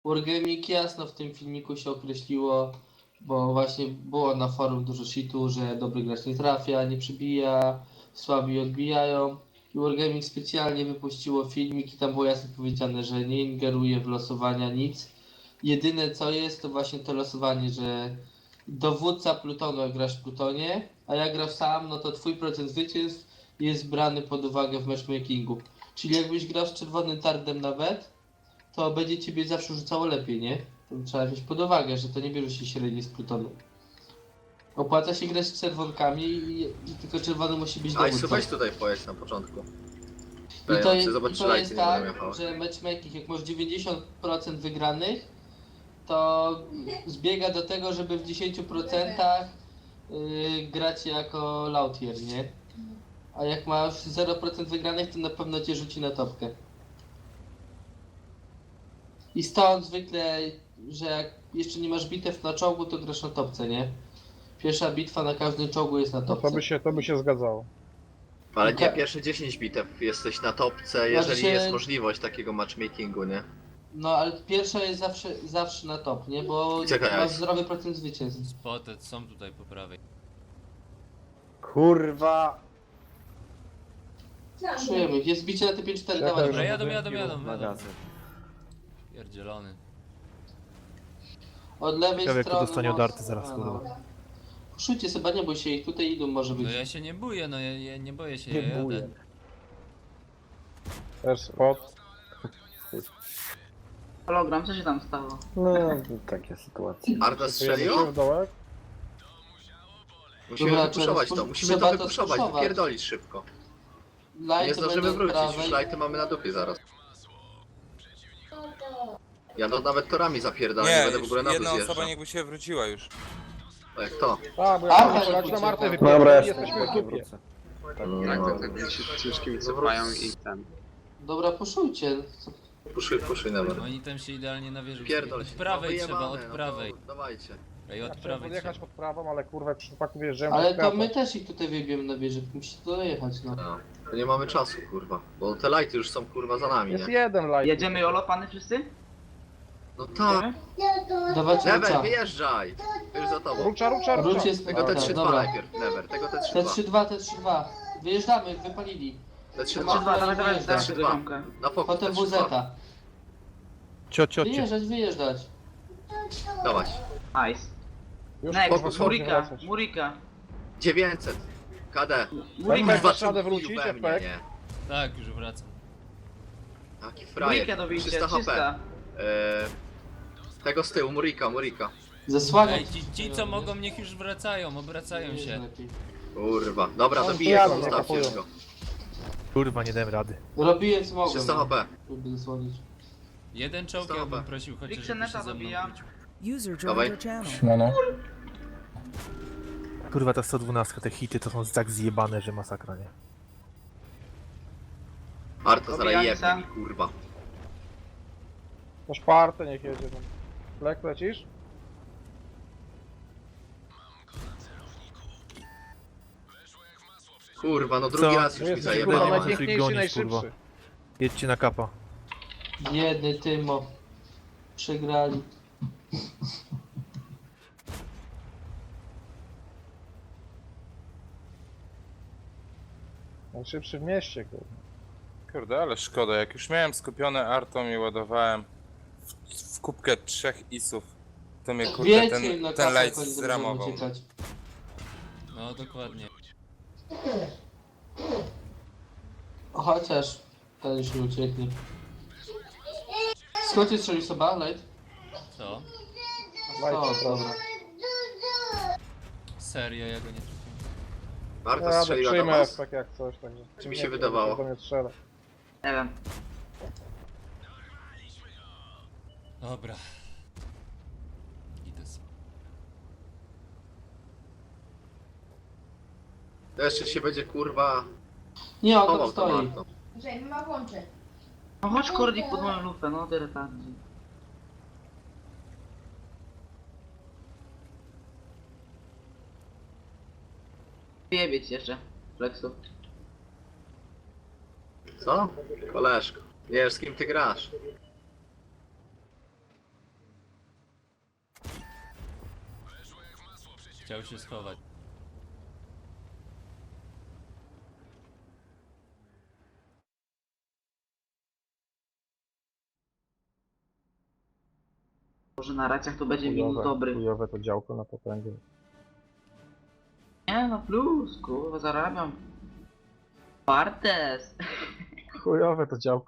Wargaming jasno w tym filmiku się określiło, bo właśnie było na forum dużo shitu, że dobry gracz nie trafia, nie przybija, słabi odbijają. I Wargaming specjalnie wypuściło filmik i tam było jasno powiedziane, że nie ingeruje w losowania nic. Jedyne co jest to właśnie to losowanie, że dowódca plutonu jak grasz w plutonie, a jak grasz sam, no to twój procent zwycięstw jest brany pod uwagę w matchmakingu. Czyli jakbyś grał z czerwonym tardem nawet, to będzie ciebie zawsze rzucało lepiej, nie? To trzeba wziąć pod uwagę, że to nie bierze się średniej z plutonu. Opłaca się grać z czerwonkami i tylko czerwony musi być Ajsu, dowódcą. weź tutaj pojedź na początku. I to jest tak, że matchmaking, jak masz 90% wygranych, to zbiega do tego, żeby w 10% grać jako lautier, nie? A jak masz 0% wygranych, to na pewno cię rzuci na topkę. I stąd zwykle, że jak jeszcze nie masz bitew na czołgu, to grasz na topce, nie? Pierwsza bitwa na każdym czołgu jest na No topce. to by się zgadzało. Ale nie, pierwsze 10 bitew jesteś na topce, jeżeli Znaczy- jest możliwość takiego matchmakingu, nie? No ale pierwsza jest zawsze na top, nie? Bo Czekaj, masz Alex. zdrowy procent zwycięstw. Spotted są tutaj po prawej. Kurwa! Czujemy, jest bicie na te 5-4, Czekaj, dawaj. Dobra, żeby jadą. Magazyn. Pierdzielony. Od lewej Ciekawe, jak to strony... dostanie od Arty zaraz, A, kurwa. no. Puszujcie sobie, nie bój się ich, tutaj idą może być. No ja się nie boję, no ja nie boję się, Nie ja jadę. buję. Też spot. Hologram, co się tam stało? No, takie sytuacje. Arta strzelił? Się w dołek. Musimy Dobra, wypuszować trzeba to, musimy trzeba to to wypuszować, spuszować. wypierdolić szybko. Light Nie to zdążymy będą wrócić, prawej. już lighty mamy na dupie zaraz. Ja no nawet torami zapierdalam, nie Nie, będę w już ogóle na dół jedna osoba zjeżdżał. niechby się wróciła już. A jak to? Tak, bo Arta jak się na ucieka. Martę Dobra, wypierdolili, jestem, jesteśmy w dupie. wrócę. Tak, się ciężkimi cofają i ten. Dobra, puszujcie. Puszuj nawet. Oni tam się idealnie nawierzą. Pierdol Od się. prawej No, trzeba, od wyjebane, no to prawej. Dawajcie. Ej, od Ja chciałem prawej podjechać trzeba. pod prawą, ale kurwa w przypadku wjeżdżałem Ale pod to prawo. my też ich tutaj wyjebiemy na wieżę, musicie to dojechać, no. No. To nie mamy czasu, kurwa. Bo te lighty już są kurwa za nami, Jest nie? jeden light. Jedziemy olopany wszyscy? No tak. Jedziemy? Dawajcie Never, Rucza. wyjeżdżaj! Już za tobą. Rucza. Ruch jest... Tego te Dobra, 3-2 dobra. najpierw, Never. Tego te Te 3-2. 3-2. Wyjeżdżamy, wypalili. Te 3-2. 3-2, dawaj, Te dawaj, trzy, tego dwa. ziomka. Na fokus, te Potem 3-2. WZ. Ciocie. Wyjeżdżać. Dawaj. Nice. Już Next, fokus, Murika, wracać. Murika. 900. KD. Murika, Dasz Kurwa, radę chuju wrócić, we mnie, efekt? nie? Tak, już wracam. Jaki frajer. Murika dobicie, 300 HP. 300. Tego z tyłu, Murika. Zasłaniać. Ej, ci co mogą, niech już wracają, obracają się. Kurwa. Dobra, On dobiję jadą, go, nie zostawcie kapują. go. Kurwa, nie dałem rady. Robiłem co mogłem. 300 HP. Żeby zasłonić. Jeden czołg ja Dobra. bym prosił chociaż, żeby Xeneta się ze mną dobijam. wrócił. User Dawaj. joined your channel. Mono. Kurwa, ta 112, te hity to są tak zjebane, że masakra, nie? Arta zaraz Dobijam jebnie sa. mi, kurwa. To szpartę niech jedzie tam. Lek lecisz? Kurwa, no drugi Co? raz No już mi jesteś Kurwa, kurwa nie zajebał. ma sensu ich najpiękniejszy, gonić, kurwa. najszybszy. Jedźcie na kapa. Biedny Tymo. Przegrali. Najszybszy w mieście, kurwa. Kurde, ale szkoda, jak już miałem skupione artą i ładowałem w kubkę 3 isów, to mnie kurde Wiecie im na ten kasę, light jak oni będą zramował. uciekać. No dokładnie. Chociaż ten już nie ucieknie. Skąd cię strzelił sobie, Light? Co? Light, O, przepraszam. dobra. Serio, ja go nie trafiłem. Arta Ja strzeliła do przyjmę was? tak jak coś, także... Czy mi się wydawało? To nie strzela. Nie wiem. Dobra. Idę sobie. To jeszcze się będzie, kurwa, Nie, on tam chował tą stoi. Artą. No chodź kordik pod moją lufę, no tyle tak. Wyjebieć jeszcze, Flexu. Co? Koleżko. Wiesz, z kim ty grasz? Chciał się schować. Może na racjach to będzie minus dobry. Chujowe to działko na potęgę. Nie no plus, kurwa zarabiam. Partes. Chujowe to działko.